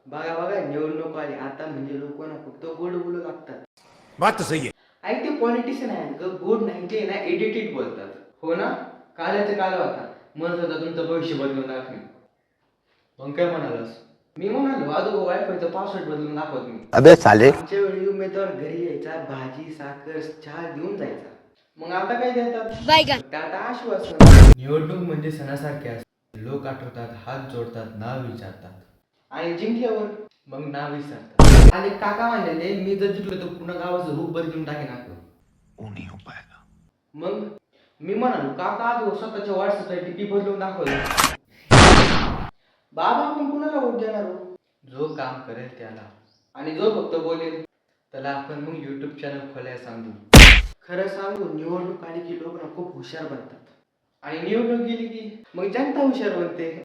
बघा बघा निवडणूक आली आता म्हणजे लोक ना फक्त गोड बोलू लागतात. बात तो सही है. आणि ते पॉलिटिशियन आहेत ग गोड नाही ते ना एडिटेड बोलतात. हो ना काल्याचा काल होता म्हणत होता तुमचं भविष्य बदलून दाखवेल. मग काय म्हणालास? मी म्हणालो अगोदर वायफायचा पासवर्ड बदलून दाखवत मी. अबे साले. आमच्या वेळी उमेदवार घरी यायचा भाजी साखर चहा घेऊन जायचा. मग आता काय देतात? फक्त आता आश्वासन. निवडणूक म्हणजे सणासारखे असते. लोक आठवतात हात जोडतात नाव विचारतात आणि जिंकल्यावर मग नाव विसरतात. आणि काका म्हणलेले मी जर जिंकलो तर पूर्ण गावाचं रूप बदलून टाकेन आपलं. मग मी म्हणालो काका आज स्वतःच्या व्हॉट्सअपला डीपी बदलून दाखवलं. बाबा आपण कुणाला वोट देणार हो? जो काम करेल त्याला आणि जो फक्त बोलेल त्याला आपण मग युट्यूब चॅनल खोलायला सांगू. खरं सांगू निवडणूक आली की लोक ना खूप हुशार बनतात आणि निवडणूक गेली की मग जनता हुशार बनते.